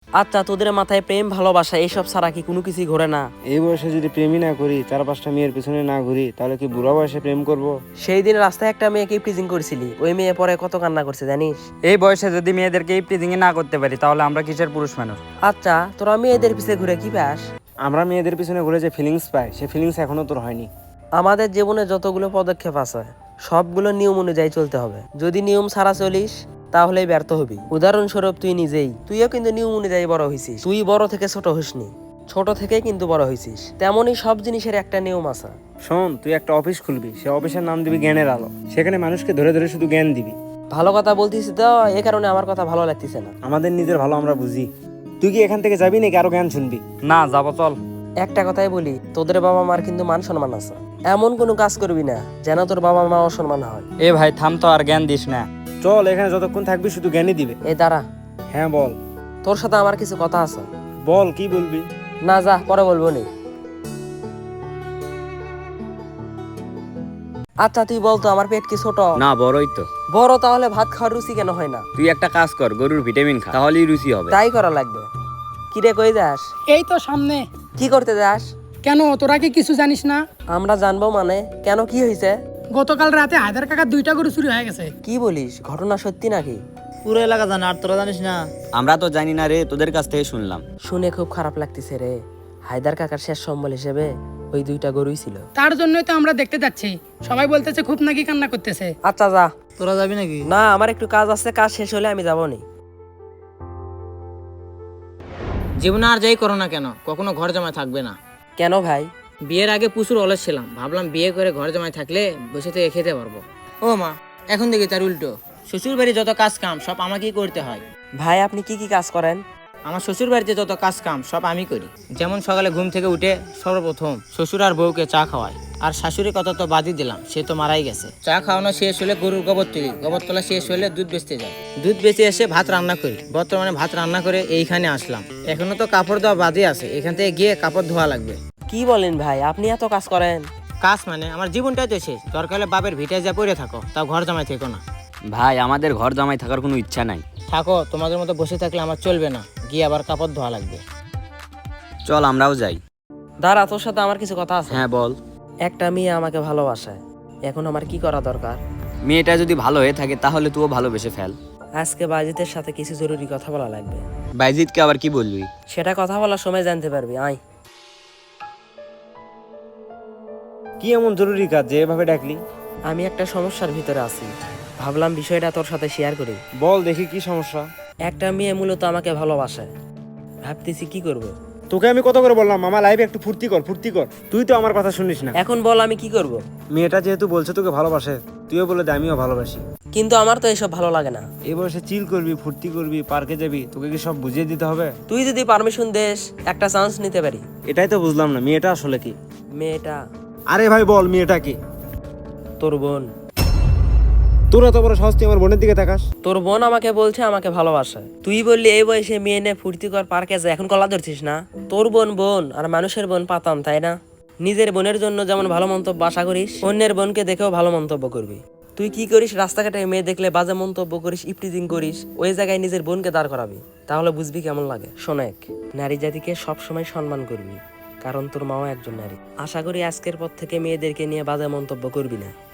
আচ্ছা, তোদের মাথায় প্রেম ভালোবাসা এইসব ছাড়া কি কোনো কিছুই ঘোরে না? এই বয়সে যদি প্রেমই না করি, 4-5টা মেয়ের পিছনে না ঘুরি, তাহলে কি বুড়া বয়সে প্রেম করব? সেই দিন রাস্তায় একটা মেয়েকে প্রিজিং করেছিলি, ওই মেয়ে পরে কত কান্না করছে জানিস? এই বয়সে যদি মেয়েদেরকে এই প্রিজিং না করতে পারি, তাহলে আমরা কিসের পুরুষ মানুষ? আচ্ছা, তোরা মেয়েদের পিছে ঘুরে কি পাস? আমরা মেয়েদের পিছনে ঘুরে যে ফিলিংস পাই, সে ফিলিংস এখনো তোর হয়নি। আমাদের জীবনে যতগুলো পদক্ষেপ আছে সবগুলো নিয়ম অনুযায়ী চলতে হবে। যদি নিয়ম ছাড়া চলিস তাহলেই ব্যর্থ হবি। উদাহরণস্বরূপ তুইও কিন্তু নিয়ম অনুযায়ী বড় হয়েছিস। তুই বড় থেকে ছোট হসনি, ছোট থেকেই কিন্তু বড় হয়েছিস। তেমনই সব জিনিসের একটা নিয়ম আছে। শোন, তুই একটা অফিস খুলবি, সে অফিসের নাম দিবি জ্ঞানের আলো। সেখানে মানুষকে ধরে ধরে শুধু জ্ঞান দিবি। ভালো কথা বলতিস তো, এ কারণে আমার কথা ভালো লাগতেছে না। আমাদের নিজের ভালো আমরা বুঝি। তুই কি এখান থেকে যাবি নাকি আরো জ্ঞান শুনবি? না, যাবো, চল। একটা কথাই বলি, তোদের বাবা মার কিন্তু মান সম্মান আছে। এমন কোনো কাজ করবি না যেন তোর বাবা মা অসম্মান হয়। এ ভাই থাম তো, আর জ্ঞান দিস না। চল, এখানে যতক্ষণ থাকবি শুধু জ্ঞানই দিবে। এই দাঁড়া, হ্যাঁ বল। তোর সাথে আমার কিছু কথা আছে। বল, কি বলবি? না যা, পরে বলবো নি। আচ্ছা তুই বলতো, আমার পেট কি ছোট? না, বড়ই তো। বড়, তাহলে ভাত খাওয়ার রুচি কেন হয় না? তুই একটা কাজ কর, গরুর ভিটামিন খা, তাহলেই রুচি হবে। তাই করা লাগবে। কিরে, কই যাস? এই তো সামনে। কি করতে যাস? কেন, তোরা কি কিছু জানিস না? আমরা জানবো মানে? কেন, কি হয়েছে? গতকাল রাতে হায়দার কাকার 2টা গরু চুরি হয়ে গেছে। কি বলিস, ঘটনা সত্যি নাকি? পুরো এলাকা জানে, আর তোরা জানিস না? আমরা তো জানি না রে, তোদের কাছ থেকে শুনলাম। শুনে খুব খারাপ লাগতেছে রে। হায়দার কাকার শেষ সম্বল হিসেবে ওই 2টা গরুই ছিল। তার জন্যই তো আমরা দেখতে যাচ্ছি। সবাই বলতেছে খুব নাকি কান্না করতেছে। আচ্ছা যা। তোরা যাবি নাকি? না, আমার একটু কাজ আছে, কাজ শেষ হলে আমি যাবো নি। জীবনে আর যাই করো না কেন, কখনো ঘর জামাই থাকবে না। কেন ভাই? বিয়ের আগে প্রচুর অলস ছিলাম, ভাবলাম বিয়ে করে ঘর জামাই থাকলে বসে থেকে খেতে পারবো। ও মা, এখন দেখি তার উল্টো। শ্বশুর বাড়ি যত কাজ কাম সব আমাকেই করতে হয়। ভাই, আপনি কি কি কাজ করেন? আমার শ্বশুর বাড়িতে যত কাজ কাম সব আমি করি। যেমন সকালে ঘুম থেকে উঠে সর্বপ্রথম শ্বশুর আর বউকে চা খাওয়াই। আর শাশুড়ি কথা তো বাদই দিলাম, সে তো মারাই গেছে। চা খাওয়ানো শেষ হলে গরুর গোবর তুলি, গোবর তোলা শেষ হলে দুধ বেচতে যাই, দুধ বেচে এসে ভাত রান্না করি। বর্তমানে ভাত রান্না করে এইখানে আসলাম। এখনো তো কাপড় দেওয়া বাদই আছে, এখান থেকে গিয়ে কাপড় ধোয়া লাগবে। কি বলেন ভাই, আপনি এত কাজ করেন? কাজ মানে আমার জীবনটাই তো শেষ। দরকার হলে বাপের ভিটায় যা পড়ে থাকো, তাও ঘর জামাই থেকো না। ভাই, আমাদের ঘর জামাই থাকার কোনো ইচ্ছা নাই। থাকো, তোমাদের মতো বসে থাকলে আমার চলবে না, গিয়ে আবার কাপড় ধোয়া লাগবে। চল আমরাও যাই। দাঁড়া, তোর সাথে আমার কিছু কথা আছে। হ্যাঁ বল। একটা মেয়ে আমাকে ভালোবাসে, এখন আমার কি করা দরকার? মেয়েটা যদি ভালো হয়ে থাকে তাহলে তুইও ভালোবেসে ফেল। আজকে বাজিতের সাথে কিছু জরুরি কথা বলা লাগবে। বাইজিৎকে আবার কি বলবি? সেটা কথা বলার সময় জানতে পারবি। আয়। কি এমন জরুরি কাজ যে এভাবে ডাকলি? আমি একটা সমস্যার ভিতরে আছি, ভাবলাম বিষয়টা তোর সাথে শেয়ার করি। বল দেখি, কি সমস্যা? একটা মেয়ে মূলত আমাকে ভালোবাসে, ভাবতেছি কি করব। তোকে আমি কত করে বললাম মামা লাইফে একটু ফুর্তি কর, ফুর্তি কর। তুই তো আমার কথা শুনিস না। এখন বল আমি কি করব? মেয়েটা যেহেতু বলছে তোকে ভালোবাসে, তুইও বলে দে আমিও ভালোবাসি। কিন্তু আমার তো এসব ভালো লাগে না। এই বয়সে চিল করবি, ফুর্তি করবি, পার্কে যাবি, তোকে কি সব বুঝিয়ে দিতে হবে? তুই যদি পারমিশন দেস, একটা চান্স নিতে পারি। এটাই তো বুঝলাম না, মেয়েটা আসলে কি? মেয়েটা আরে ভাই বল, মেয়েটা কি? তোর বোন। তোরা তো বড় সাহস, তুই আমার বোনের দিকে তাকাস। তোর বোন আমাকে বলছে আমাকে ভালোবাসে। তুই বললি এই বয়সে মেয়ে নে ফুর্তি কর, পার্কে যা, এখন কলা ধরছিস না? তোর বোন বোন, আর মানুষের বোন পাতাম, তাই না? নিজের বোনের জন্য যেমন ভালো মন্তব্য আশা করিস, অন্যের বোনকে দেখেও ভালো মন্তব্য করবি। তুই কি করিস, রাস্তাঘাটে মেয়ে দেখলে বাজে মন্তব্য করিস, ইপটিজিং করিস, ওই জায়গায় নিজের বোনকে দাঁড় করাবি, তাহলে বুঝবি কেমন লাগে। শোনেক, নারী জাতিকে সবসময় সম্মান করবি, কারণ তোর মাও একজন নারী। আশা করি আজকের পর থেকে মেয়েদেরকে নিয়ে বাজে মন্তব্য করবি না।